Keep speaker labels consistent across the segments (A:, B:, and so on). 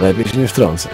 A: Lepiej się nie wtrącaj.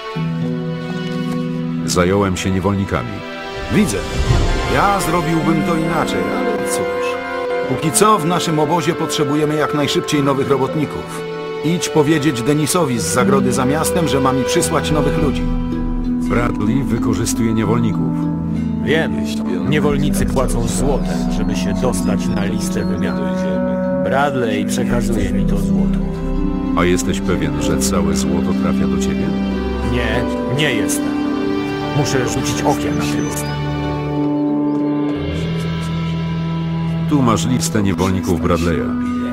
B: Zająłem się niewolnikami.
C: Widzę. Ja zrobiłbym to inaczej, ale cóż. Póki co w naszym obozie potrzebujemy jak najszybciej nowych robotników. Idź powiedzieć Denisowi z zagrody za miastem, że ma mi przysłać nowych ludzi.
B: Bradley wykorzystuje niewolników.
D: Wiem, niewolnicy płacą złotem, żeby się dostać na listę wymiany. Bradley przekazuje mi to złoto.
B: A jesteś pewien, że całe złoto trafia do ciebie?
D: Nie, nie jestem. Muszę rzucić okiem na tę listę.
B: Tu masz listę niewolników Bradley'a.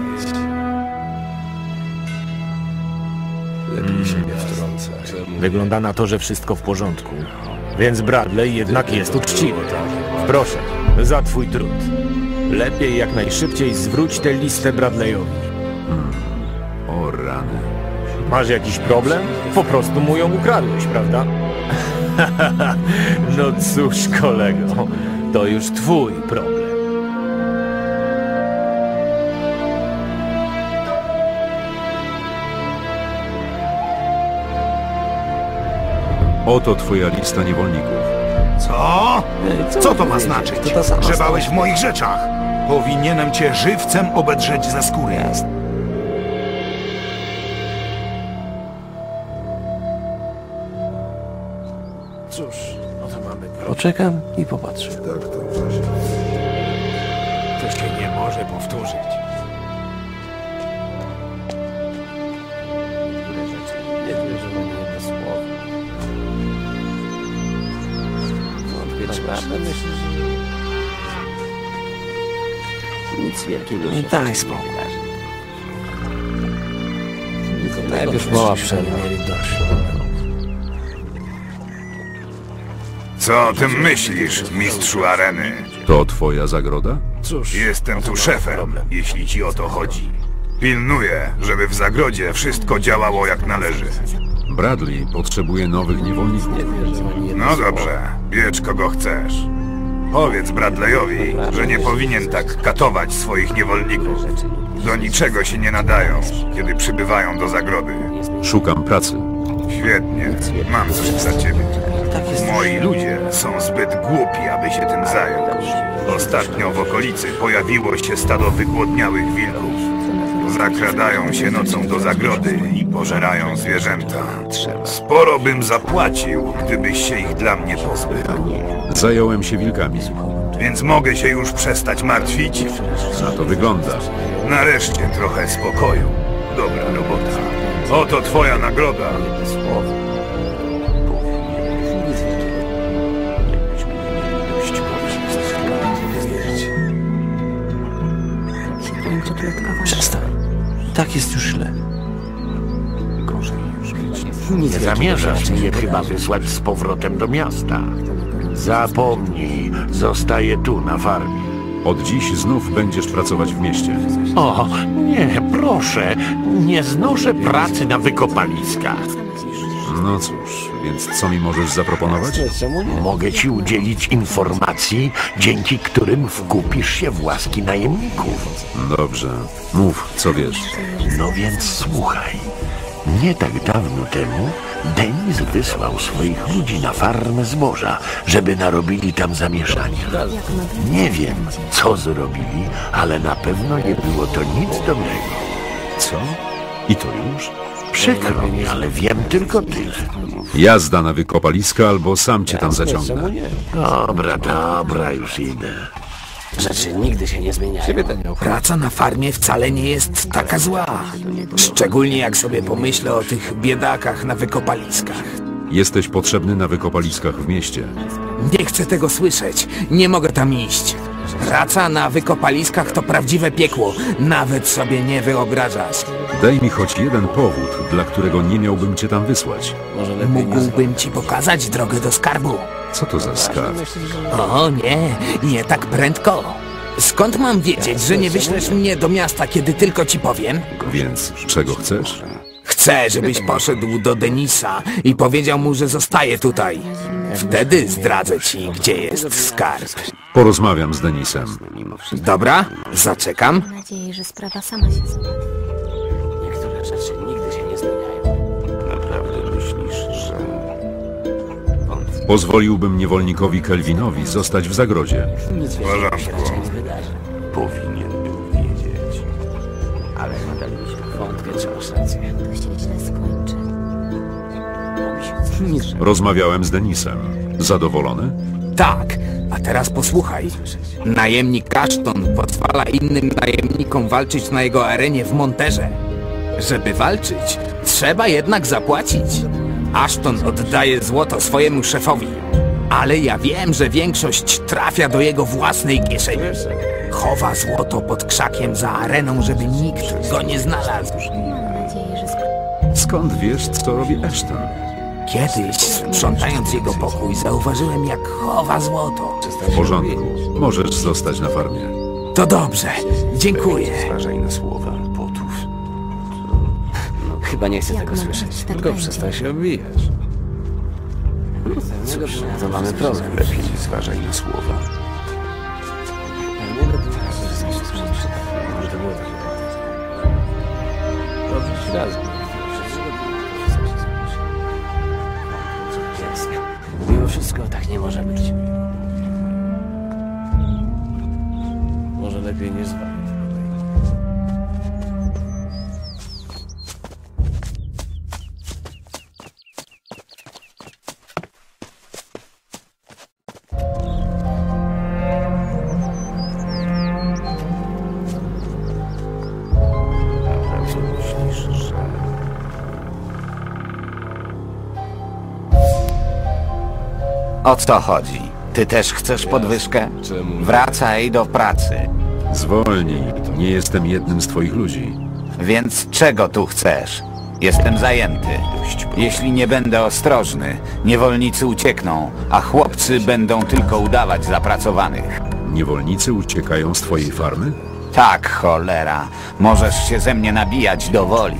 A: Lepiej się nie wtrącaj.
D: Wygląda na to, że wszystko w porządku. Więc Bradley jednak jest uczciwy. Proszę, za twój trud. Lepiej jak najszybciej zwróć tę listę Bradleyowi.
B: O rany.
D: Masz jakiś problem? Po prostu mu ją ukradłeś, prawda? No cóż, kolego, to już twój problem.
B: Oto twoja lista niewolników.
C: Co? Co to ma znaczyć?
A: To ta sama
C: Grzebałeś w moich rzeczach. Powinienem cię żywcem obedrzeć ze skóry.
A: Cóż, no to mamy poczekam i popatrzę. Tak, to właśnie.
D: To się nie może powtórzyć.
A: Nie wierzę w jedno słowo. Wątpię, naprawdę myślę, że nic wielkiego się daj spokój. Najpierw mała przerwa.
E: Co o tym myślisz, mistrzu areny?
B: To twoja zagroda?
A: Cóż,
E: Jestem tu szefem, jeśli ci o to chodzi. Pilnuję, żeby w zagrodzie wszystko działało jak należy.
B: Bradley potrzebuje nowych niewolników.
A: nie wierzę w jedno
E: No
A: słowo.
E: dobrze, bierz kogo chcesz. Powiedz Bradleyowi, że nie powinien tak katować swoich niewolników. Do niczego się nie nadają, kiedy przybywają do zagrody.
B: Szukam pracy.
E: Świetnie, mam coś dla ciebie.
A: Tak jest.
E: Moi ludzie są zbyt głupi, aby się tym zająć. Ostatnio w okolicy pojawiło się stado wygłodniałych wilków. Zakradają się nocą do zagrody i pożerają zwierzęta. Sporo bym zapłacił, gdybyś się ich dla mnie pozbył.
B: Zająłem się wilkami.
E: Więc mogę się już przestać martwić?
B: Na to wygląda.
E: Nareszcie trochę spokoju. Dobra robota. Oto twoja nagroda.
A: Słowo. Nic wielkiego. Jakbyśmy nie mieli dość Przestań. Tak jest już źle. Nic
F: Nie zamierzasz mnie chyba wysłać z powrotem do miasta. Zapomnij, zostaję tu na farmie.
B: Od dziś znów będziesz pracować w mieście.
F: O, nie, proszę, nie znoszę pracy na wykopaliskach.
B: No cóż, więc co mi możesz zaproponować?
A: Czemu nie?
F: Mogę ci udzielić informacji, dzięki którym wkupisz się w łaski najemników.
B: Dobrze. Mów, co wiesz.
F: No więc słuchaj. Nie tak dawno temu Denis wysłał swoich ludzi na farmę zboża, żeby narobili tam zamieszania. Nie wiem, co zrobili, ale na pewno nie było to nic dobrego.
B: Co? I to już?
F: Przykro mi, ale wiem tylko tyle.
B: Jazda na wykopaliska albo sam cię tam
A: Czemu
B: zaciągnę.
A: nie?
F: Dobra, już idę.
A: Rzeczy nigdy się nie zmieniają. Ciebie to nie obchodzi.
G: Praca na farmie wcale nie jest taka zła. Szczególnie jak sobie pomyślę o tych biedakach na wykopaliskach.
B: Jesteś potrzebny na wykopaliskach w mieście.
G: Nie chcę tego słyszeć. Nie mogę tam iść. Praca na wykopaliskach to prawdziwe piekło. Nawet sobie nie wyobrażasz.
B: Daj mi choć jeden powód, dla którego nie miałbym cię tam wysłać.
A: Może lepiej nie
G: Mógłbym ci pokazać drogę do skarbu.
B: Co to za skarb?
G: O nie, nie tak prędko. Skąd mam wiedzieć, że nie wyślesz mnie do miasta, kiedy tylko ci powiem?
B: Więc czego chcesz?
G: Chcę, żebyś poszedł do Denisa i powiedział mu, że zostaje tutaj. Wtedy zdradzę ci, gdzie jest skarb.
B: Porozmawiam z Denisem.
G: Dobra? Zaczekam.
H: Mam nadzieję, że sprawa sama się załatwi.
A: Niektóre rzeczy nigdy się nie zmieniają.
F: Naprawdę
B: Pozwoliłbym niewolnikowi Kelvinowi zostać w zagrodzie.
E: W porządku.
F: Powinien był wiedzieć.
A: Ale nadal mi się wątpię, czy masz rację.
H: To się źle skończy.
A: Nic.
B: Rozmawiałem z Denisem. Zadowolony?
G: Tak, a teraz posłuchaj. Najemnik Ashton pozwala innym najemnikom walczyć na jego arenie w Monterze. Żeby walczyć, trzeba jednak zapłacić. Ashton oddaje złoto swojemu szefowi, ale ja wiem, że większość trafia do jego własnej kieszeni. Chowa złoto pod krzakiem za areną, żeby nikt go nie znalazł.
H: Mam nadzieję, że
B: Skąd wiesz, co robi Ashton?
G: Kiedyś, sprzątając jego pokój, zauważyłem, jak chowa złoto.
B: W porządku. Możesz zostać na farmie.
G: To dobrze, dziękuję.
F: Zważaj na słowa potów.
A: Chyba nie chcę
H: Jak
A: tego
H: mogę,
A: słyszeć.
H: tak
A: Tylko
H: będzie.
A: przestań się obijać. Cóż, to mamy problem.
F: Lepiej zważaj na słowa.
A: Nie lepiej może to było takie. Dobrze, razem. Mimo wszystko tak nie może być. Może lepiej nie zwalniać. Naprawdę myślisz, że...
I: O co chodzi? Ty też chcesz podwyżkę? Wracaj do pracy.
B: Zwolnij. Nie jestem jednym z twoich ludzi.
I: Więc czego tu chcesz? Jestem zajęty. Jeśli nie będę ostrożny, niewolnicy uciekną, a chłopcy będą tylko udawać zapracowanych.
B: Niewolnicy uciekają z twojej farmy?
I: Tak, cholera. Możesz się ze mnie nabijać do woli.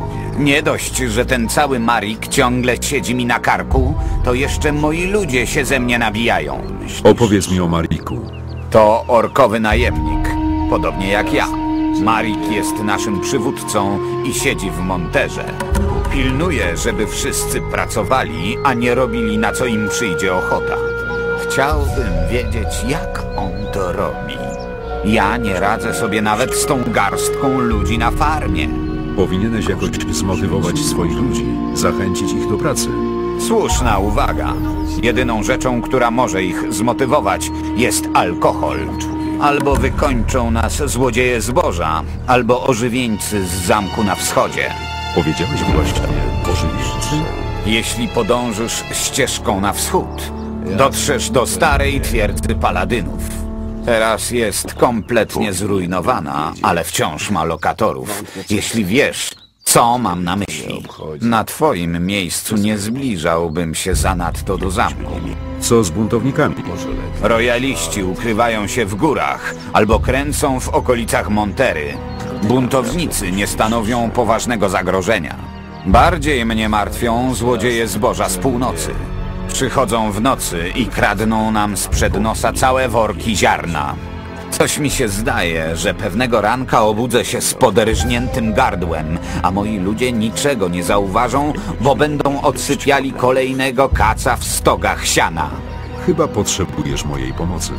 I: Nie dość, że ten cały Marik ciągle siedzi mi na karku, to jeszcze moi ludzie się ze mnie nabijają.
B: Opowiedz mi o Mariku.
I: To orkowy najemnik, podobnie jak ja. Marik jest naszym przywódcą i siedzi w Monterze. Pilnuje, żeby wszyscy pracowali, a nie robili na co im przyjdzie ochota. Chciałbym wiedzieć, jak on to robi. Ja nie radzę sobie nawet z tą garstką ludzi na farmie.
B: Powinieneś jakoś zmotywować swoich ludzi, zachęcić ich do pracy.
I: Słuszna uwaga. Jedyną rzeczą, która może ich zmotywować, jest alkohol. Albo wykończą nas złodzieje zboża, albo ożywieńcy z zamku na wschodzie.
B: Powiedziałeś właśnie o żywicy?
I: Jeśli podążysz ścieżką na wschód, dotrzesz do starej twierdzy paladynów. Teraz jest kompletnie zrujnowana, ale wciąż ma lokatorów. Jeśli wiesz, co mam na myśli, na twoim miejscu nie zbliżałbym się zanadto do zamku.
B: Co z buntownikami?
I: Rojaliści ukrywają się w górach albo kręcą w okolicach Montery. Buntownicy nie stanowią poważnego zagrożenia. Bardziej mnie martwią złodzieje zboża z północy. Przychodzą w nocy i kradną nam sprzed nosa całe worki ziarna. Coś mi się zdaje, że pewnego ranka obudzę się z poderżniętym gardłem, a moi ludzie niczego nie zauważą, bo będą odsypiali kolejnego kaca w stogach siana.
B: Chyba potrzebujesz mojej pomocy.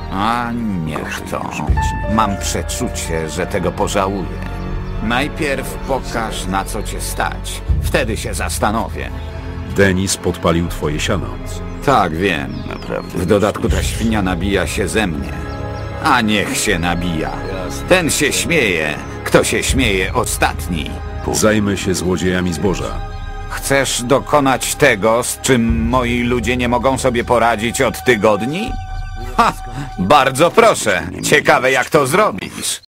I: A niech to. Mam przeczucie, że tego pożałuję. Najpierw pokaż, na co cię stać. Wtedy się zastanowię.
B: Denis podpalił twoje siano.
I: Tak, wiem. W dodatku ta świnia nabija się ze mnie. A niech się nabija. Ten się śmieje. Kto się śmieje ostatni?
B: Zajmę się złodziejami zboża.
I: Chcesz dokonać tego, z czym moi ludzie nie mogą sobie poradzić od tygodni? Ha! Bardzo proszę. Ciekawe, jak to zrobisz.